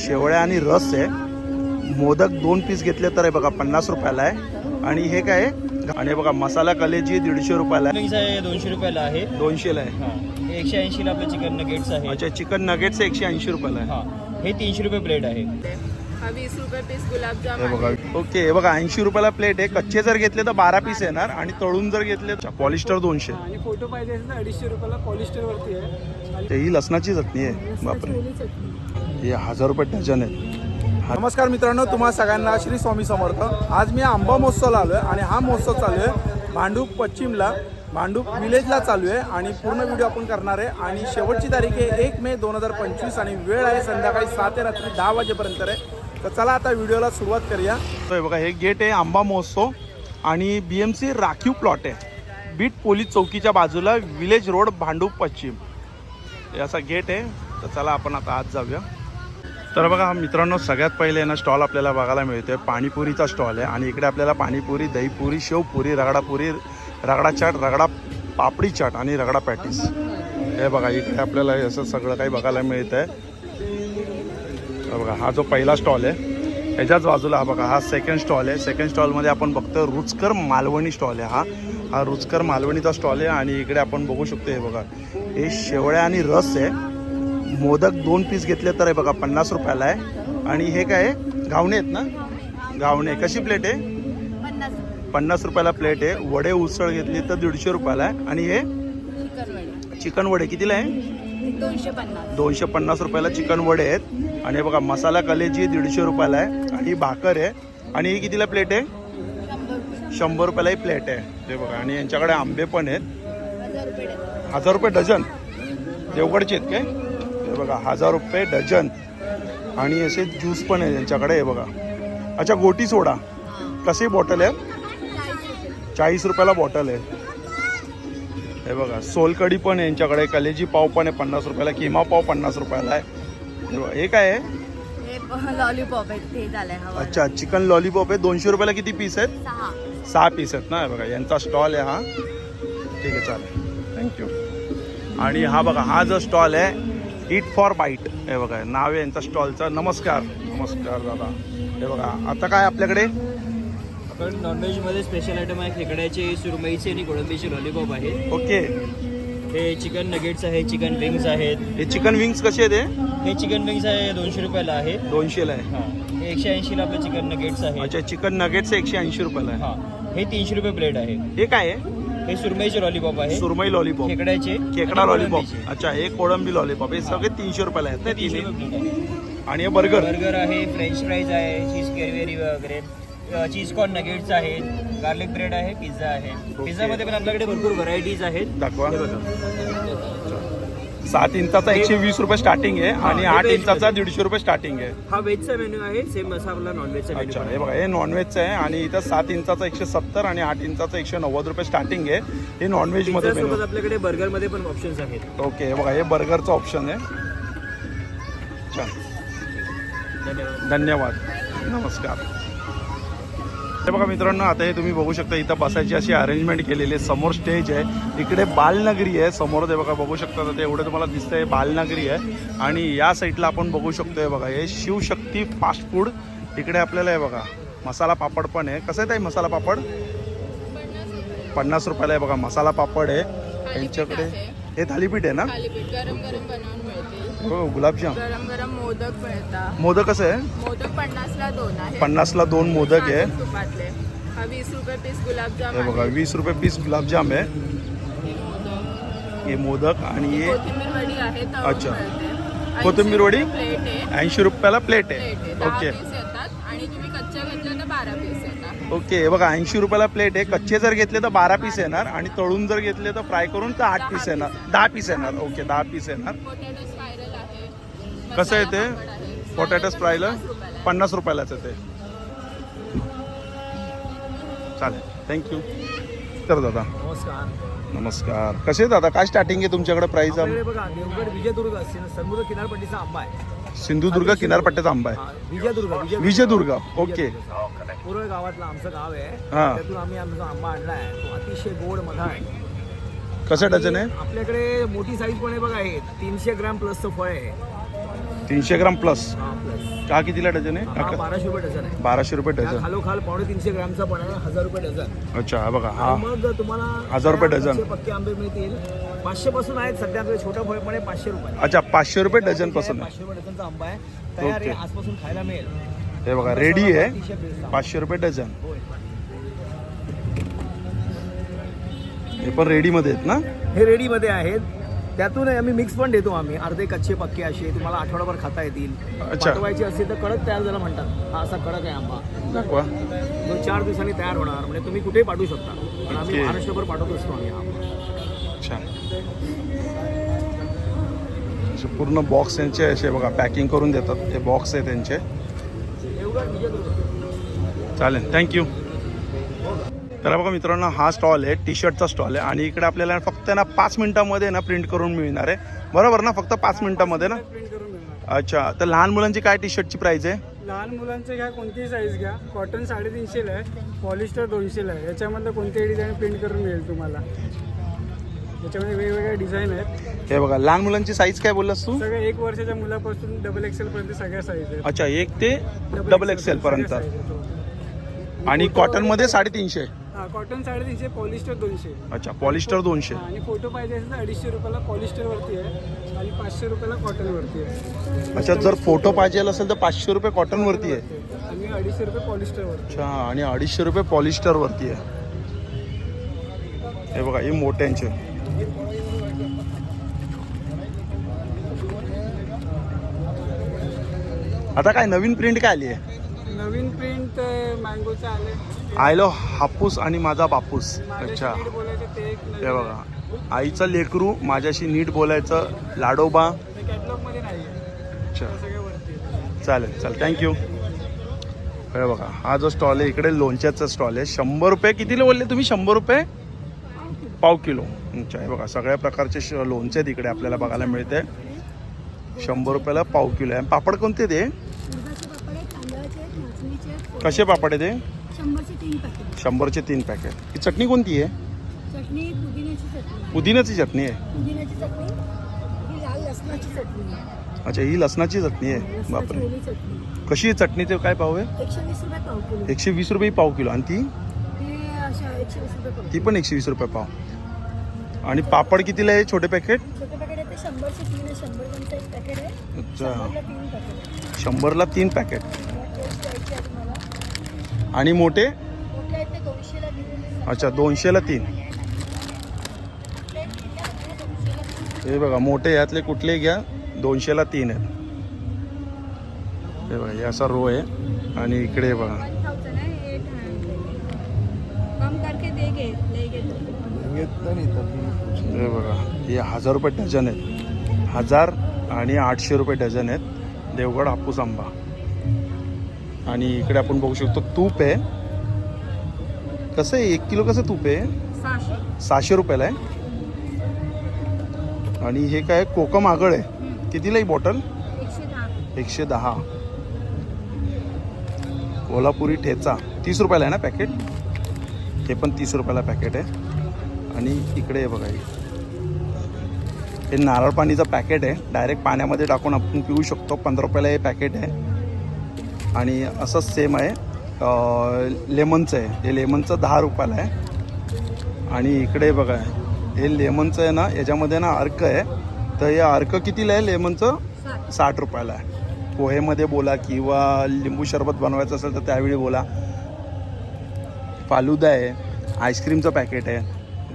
शेवळ्या आणि रस आहे. मोदक 2 पीस घेतले तर आहे बघा 50 रुपयाला आहे. आणि हे काय आहे आणि बघा मसाला कलेजी 150 रुपयाला आहे. 200 रुपयाला आहे. 200ला आहे. हा 180 ला आपलं चिकन नगेट्स आहे. अच्छा चिकन नगेट्स 180 रुपयाला आहे. हा हे 300 रुपये प्लेट आहे. हा 20 रुपये पीस गुलाबजाम हे बघा ओके हे बघा 80 रुपयाला प्लेट आहे. कच्चे जर घेतले तर 12 पीस येणार आणि तळून जर घेतले तर पॉलिस्टर 200 आणि फोटो पाहिजे असेल तर 250 रुपयाला पॉलिस्टर वरती आहे. ही लसणाची चटणी आहे. बापरे हे 1000 रुपये डझन आहे. नमस्कार मित्रांनो, तुम्हा सगळ्यांना श्री स्वामी समर्थ. आज मी आंबा महोत्सवला आलो आहे आणि हा महोत्सव चालू आहे भांडूप पश्चिमला, भांडूप विलेजला चालू आहे आणि पूर्ण व्हिडिओ आपण करणार आहे. आणि शेवटची तारीख आहे 1 मे 2025 आणि वेळ आहे संध्याकाळी 7 ते रात्री 10 वाजेपर्यंत आहे. तर चला आता व्हिडिओला सुरुवात करूया. तर बघा हे गेट आहे आंबा महोत्सव आणि BMC राखीव प्लॉट आहे. बीट पोलीस चौकीच्या बाजूला विलेज रोड भांडूप पश्चिम हे असा गेट आहे. तर चला आपण आता आज जाऊया. तर बघा मित्रांनो सगळ्यात पहिले ना स्टॉल आपल्याला बघायला मिळतोय पाणीपुरीचा स्टॉल आहे. आणि इकडे आपल्याला पाणीपुरी, दहीपुरी, शेवपुरी, रगडापुरी, रगडा चाट, रगडा पापडी चाट आणि रगडा पॅटीस हे बघा इकडे आपल्याला असं सगळं काही बघायला मिळतं आहे. बघा हा जो पहिला स्टॉल आहे ह्याच्याच बाजूला हा बघा हा सेकंड स्टॉल आहे. सेकंड स्टॉलमध्ये आपण बघतो रुचकर मालवणी स्टॉल आहे. हा रुचकर मालवणीचा स्टॉल आहे. आणि इकडे आपण बघू शकतो हे बघा हे शेवळ्या आणि रस आहे. मोदक 2 पीस घेतले तर आहे बघा 50 रुपयाला आहे. आणि हे काय आहे घावणे आहेत ना, घावणे कशी प्लेट आहे 50 रुपयाला प्लेट आहे. वडे उसळ घेतली तर 150 रुपयाला आहे. आणि हे चिकन वडे कितीला आहे 250 रुपयाला चिकन वडे आहेत. आणि हे बघा मसाला कलेजी 150 रुपयाला आहे. आणि भाकर आहे. आणि ही कितीला प्लेट आहे 100 रुपयाला ही प्लेट आहे. ते बघा आणि यांच्याकडे आंबे पण आहेत 1000 रुपये डझन. देवगडचे आहेत काय हे बघा 1000 रुपये डझन. आणि असे ज्यूस पण आहे त्यांच्याकडे हे बघा. अच्छा गोटी सोडा कशी बॉटल आहे 40 रुपयाला बॉटल आहे. हे बघा सोलकढी पण आहे यांच्याकडे. कलेजी पाव पण आहे 50 रुपयाला. किमा पाव 50 रुपयाला आहे. हे बघा हे काय आहे लॉलीपॉप आहे ते झालंय. अच्छा चिकन लॉलीपॉप आहे 200 रुपयाला. किती पीस आहेत 6 पीस आहेत ना. हे बघा यांचा स्टॉल आहे हा. ठीक आहे चालेल थँक्यू. आणि हा बघा हा जो स्टॉल आहे ईट फॉर बाईट हे बघा नाव आहे यांचा स्टॉलचं. नमस्कार नमस्कार दादा. हे बघा आता काय आपल्याकडे आपण नॉनव्हेजमध्ये स्पेशल आयटम आहे. खेकड्याचे, सुरमईचे आणि कोळंबीचे लॉलीपॉप आहे. ओके हे चिकन नगेट्स आहे, चिकन विंग्स आहेत. हे चिकन विंग्स कसे आहेत हे चिकन विंग्स आहे 200 रुपयाला आहे. 200ला आहे. हा हे 180 ला आपलं चिकन नगेट्स आहे. अच्छा चिकन नगेट्स 180 रुपयाला आहे. हा हे 300 रुपये प्लेट आहे. हे काय आहे हे सुरमईचे लॉलीपॉप आहे. सुरमई लॉलीपॉप, खेकड्याचे, खेकडा आणि लॉलीपॉप. कोळंबीचे. अच्छा हे कोळंबी लॉलीपॉप हे सगळे 300 रुपयाला आहेत ना 300 तिन्ही. रुपये प्लेट आहे. आणि हे बर्गर बर्गर आहे, फ्रेंच फ्राईज आहे, चीज केरवेरी वगैरे, चीज कॉर्न नगेट्स आहेत, गार्लिक ब्रेड आहे, पिझ्झा आहे. पिझ्झामध्ये पण आपल्याकडे भरपूर व्हरायटीज आहेत. दाखवा. हे बघा. 7 इंचाचा 120 रुपये स्टार्टिंग आहे आणि हा, 8 हे इंचाचा व्हेज 150 रुपये स्टार्टिंग आहे. हा व्हेजचा मेन्यू आहे. सेम असा आपला नॉनव्हेजचा अच्छा मेन्यू हे बघा हे नॉनव्हेजचं आहे. आणि इथं 7 इंचाचा 170 आणि 8 इंचाचा 190 रुपये स्टार्टिंग आहे. हे नॉनव्हेजमध्ये सोबत आपल्याकडे बर्गरमध्ये पण ऑप्शन्स आहेत. ओके हे बघा हे बर्गरचं ऑप्शन आहे. छान धन्यवाद. धन्यवाद नमस्कार. हे बघा मित्रांनो आता हे तुम्ही बघू शकता इथं बसायची अशी अरेंजमेंट केलेली आहे. समोर स्टेज आहे. इकडे बालनगरी आहे समोर. ते बघा बघू शकता ते एवढं तुम्हाला दिसतंय बालनगरी आहे. आणि या साईडला आपण बघू शकतो हे बघा हे शिवशक्ती फास्ट फूड. इकडे आपल्याला हे बघा मसाला पापड पण आहे. कसं आहे ताई मसाला पापड 50 रुपयाला आहे बघा. मसाला पापड आहे यांच्याकडे. हे थालीपीठ आहे ना. थालीपीठ गरम गरम बनवून मिळते. हो गुलाबजाम गरम गरम मोदक मिळतात. मोदक कसं आहे मोदक 50 ला 2 आहे. 50 ला 2 मोदक आहे. तुपातले हा 20 रुपये पीस गुलाबजाम हे बघा 20 रुपये पीस गुलाबजाम आहे. हे मोदक आणि हे कोथिंबीर वडी आहे. तळून अच्छा. मिळते. कोथिंबीर वडी 80 रुपये प्लेट आहे. 80 रुपयाला प्लेट आहे. 10 ओके पीस येतात आणि तुम्ही कच्च्या घेतल्या तर 12 पीस येतात. ओके हे बघा 80 रुपयाला प्लेट आहे. कच्चे जर घेतले तर 12 पीस येणार आणि तळून जर घेतले तर फ्राय करून तर 8 पीस येणार 10 पीस येणार. ओके 10 पीस येणार. पोटॅटो स्पायरल आहे. कसं आहे मसाला ते पापड आहे. पोटॅटो स्प्रायला 50 रुपयाला 50 रुपयालाच आहे. आहे ते. चालेल थँक्यू. तर दादा नमस्कार. नमस्कार. कसे आहेत दादा काय स्टार्टिंग आहे तुमच्याकडे प्राईस. आपल्याकडे बघा देवगड विजयदुर्ग समुद्र किनारपट्टीचा आंबा आहे. सिंधुदुर्ग किनारपट्ट्याचा आंबा आहे. हा, विजयदुर्ग विजयदुर्ग ओके. पूर्व गावातलं आमचं गाव आहे. हा. त्यातून आम्ही आमचा आंबा आणलाय. तो अतिशय गोड मधा आहे. कसं डझन आहे आपल्याकडे मोठी साईज पण आहे बघा. हे 300 ग्रॅम प्लसचं फळ आहे. 300 ग्राम प्लस. हा प्लस. का कितीला डझन आहे? हा 1200 रुपये डझन आहे. 1200 रुपये त्या डझन. खालोखाल 350 ग्रामचा पण आहे 1000 रुपये डझन. अच्छा हा बघा हा. आणि मग तुम्हाला 1000 रुपये डझन. कच्चे पक्के आंबे मिळतील. 500 पासून आहेत सध्या आपल्या छोटा फळ पण आहे 500 रुपये. अच्छा 500 रुपये डझन पासून आहे. 500 रुपये डझनचा आंबा आहे तयार आहे. ओके. आजपासून खायला मिळेल. हे बघा रेडी आहे अतिशय बेस्ट. 500 रुपये डझन. होय. हे पण रेडीमध्ये आहेत ना? हे रेडीमध्ये आहेत. त्यातून आम्ही मिक्स पण देतो आम्ही. अर्धे कच्चे पक्के असे तुम्हाला आठवडाभर खाता येतील. अच्छा. पाठवायचे असेल तर कडक तयार झाला म्हणतात. हा असा कडक आहे आंबा दाखवा. जो 4 दिवसांनी तयार होणार. म्हणजे तुम्ही कुठेही पाठवू शकता. पण आम्ही ओके. महाराष्ट्रभर पाठवत असतो आम्ही हा आंबा. छान. असे पूर्ण बॉक्स त्यांचे असे बघा पॅकिंग करून देतात. हे बॉक्स आहे त्यांचे. चालेल थँक्यू. तर बघा मित्रांनो हा स्टॉल आहे टी शर्टचा स्टॉल आहे आणि इकडे आपल्याला फक्त ना 5 मिनिटांमध्ये ना प्रिंट करून मिळणार आहे. बरोबर ना? फक्त 5 मिनिटांमध्ये ना? प्रिंट करून मिळणार. अच्छा तर लहान मुलांची काय टी शर्टची प्राइस आहे? लहान मुलांचं घ्या कोणतीही साईज घ्या. कॉटन 350 आहे, पॉलिस्टर 200 आहे. याच्यामधलं कोणतेही डिझाईन प्रिंट करून मिळेल तुम्हाला. याच्यामध्ये वेगवेगळ्या डिझाईन आहेत. हे बघा लहान मुलांची साईज काय बोललास तू? सगळं 1 वर्षाच्या मुलापासून XXL पर्यंत सगळ्या साईज आहेत. अच्छा 1 ते XXL पर्यंत. आणि कॉटनमध्ये 350. हा कॉटन 350, पॉलिस्टर 200. अच्छा पॉलिस्टर 200. आणि फोटो पाहिजे असेल तर 250 रुपयाला पॉलिस्टर वरती आहे आणि 500 रुपयाला कॉटन वरती आहे. अच्छा जर फोटो पाहिजे असेल तर 500 रुपये कॉटनवरती आहे. आणि 250 रुपये पॉलिस्टर वरती. अच्छा आणि 250 रुपये पॉलिस्टरवरती आहे. हे बघा हे मोठ्यांचे. आता काय नवीन प्रिंट काय आली आहे? नवीन प्रिंट मँगोचं आले. आयलो हापूस आणि माझा बापूस. अच्छा माझ्याशी नीट बोलायचं ते एक हे बघा आईचं लेकरू माझ्याशी नीट बोलायचं लाडोबा. कॅटलॉग मध्ये नाही आहे. अच्छा सगळ्या वरती आहे. चालेल चालेल थँक्यू. हे बघा हा जो स्टॉल आहे इकडे लोणच्याचा स्टॉल आहे. 100 रुपये कितीला बोलले तुम्ही? 100 रुपये पाव किलो. अच्छा हे बघा सगळ्या प्रकारचे लोणचे आहेत इकडे आपल्याला बघायला मिळते. 100 रुपयाला पाव किलो आहे. पापड कोणते ते? कसे पापड आहे ते? 100चे 3 पॅकेट. 100चे 3 पॅकेट. ही चटणी कोणती आहे? चटणी पुदिन्याची चटणी. पुदिन्याची चटणी आहे. पुदिन्याची चटणी. ही लाल लसणाची चटणी आहे. अच्छा ही लसणाची चटणी आहे. लसणाची बापरे ओली चटणी. कशी आहे चटणीचे काय पाव आहे? 120 रुपये पाव किलो. 120 रुपये पाव किलो. आणि ती हे अशा 120 रुपये पाव. ती पण 120 रुपये पाव. आणि पापड कितीला आहे छोटे पॅकेट? छोटे पॅकेट आहे ते 100चे 3 आहे. 100 ग्रामचं एक पॅकेट आहे. अच्छा 100ला 3 पॅकेट. 100ला 3 पॅकेट. टेस्ट द्यायची आहे तुम्हाला. आणि मोठे? मोठे आहेत ते 200ला 3. अच्छा 200ला 3. हे बघा मोठे यातले कुठले घ्या 200ला 3 आहेत. हे बघा हे असा रो आहे. आणि इकडे बघा कम करके देगे लेगे. हे बघा हे 1000 रुपये डझन आहेत. 1000 आणि 800 रुपये डझन आहेत देवगड हापूस आंबा. आणि इकडे आपण बघू शकतो तूप आहे. कसं आहे 1 किलो कसं तूप आहे? 600 रुपयाला आहे. आणि हे काय कोकम आगळ आहे. कितीला ही बॉटल? 110. कोल्हापुरी ठेचा 30 रुपयाला आहे ना पॅकेट? हे पण 30 रुपयाला पॅकेट आहे. आणि इकडे हे बघा हे नारळ पाणीचं पॅकेट आहे. डायरेक्ट पाण्यामध्ये टाकून आपण पिऊ शकतो. 15 रुपयाला हे पॅकेट आहे. आणि असंच सेम आहे लेमनचं आहे. हे लेमनचं 10 रुपयाला आहे. आणि इकडे बघा हे लेमनचं आहे ना याच्यामध्ये ना अर्क आहे. तर हे अर्क कितीला आहे लेमनचं? 60 रुपयाला आहे. पोहेमध्ये बोला किंवा लिंबू सरबत बनवायचं असेल तर त्यावेळी बोला. फालुदा आहे. आईस्क्रीमचं पॅकेट आहे.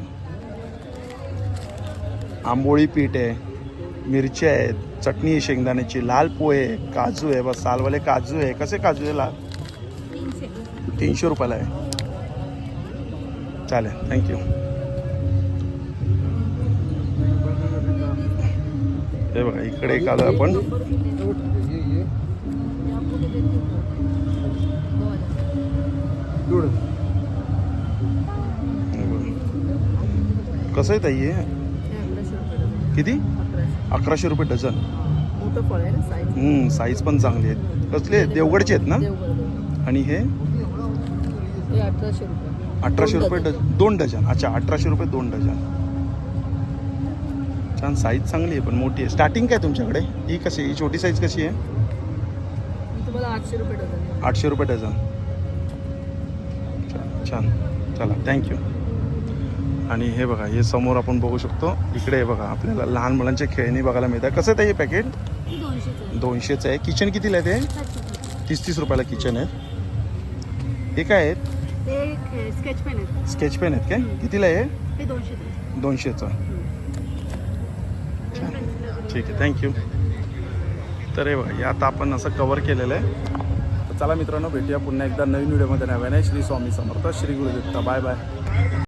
आंबोळी पीठ आहे. मिरच्या आहेत. चटणी आहे शेंगदाण्याची. लाल पोहे आहे. काजू आहे. बस सालवाले काजू आहे. कसे काजू आहे लाल? 300 रुपयाला आहे. चालेल थँक्यू. हे बघा इकडे एक आलो आपण. कसं आहे ताई हे? किती? 1100 रुपये डझन. मोठं फळ आहे ना साईज. साईज पण चांगली आहेत. कसले देवगडचे आहेत ना? आणि हे हे 1800 रुपये. 1800 रुपये डझन 2 डझन. अच्छा 1800 रुपये 2 डझन. छान साईज चांगली आहे पण मोठी आहे. स्टार्टिंग काय तुमच्याकडे? ही कशी ही छोटी साईज कशी आहे? तुम्हाला 800 रुपये डझन. 800 रुपये डझन. छान. चला थँक्यू. आणि हे बघा हे समोर आपण बघू शकतो. इकडे हे बघा आपल्याला लहान मुलांचे खेळणी बघायला मिळतात. कसं आहे हे पॅकेट? 200चं आहे. किचन कितीला आहे ते? 30 रुपयाला किचन आहे. हे काय आहेत? ते स्केच पेन आहेत. स्केच पेन आहेत काय? कितीला आहे? ते 200. 200चं. छान. ठीक आहे थँक्यू. तर हे बघा हे आता आपण असं कवर केलेलं आहे. तर चला मित्रांनो भेटूया पुन्हा एकदा नवीन व्हिडिओमध्ये. नव्याने श्री स्वामी समर्थ, श्री गुरुदत्त. Bye bye.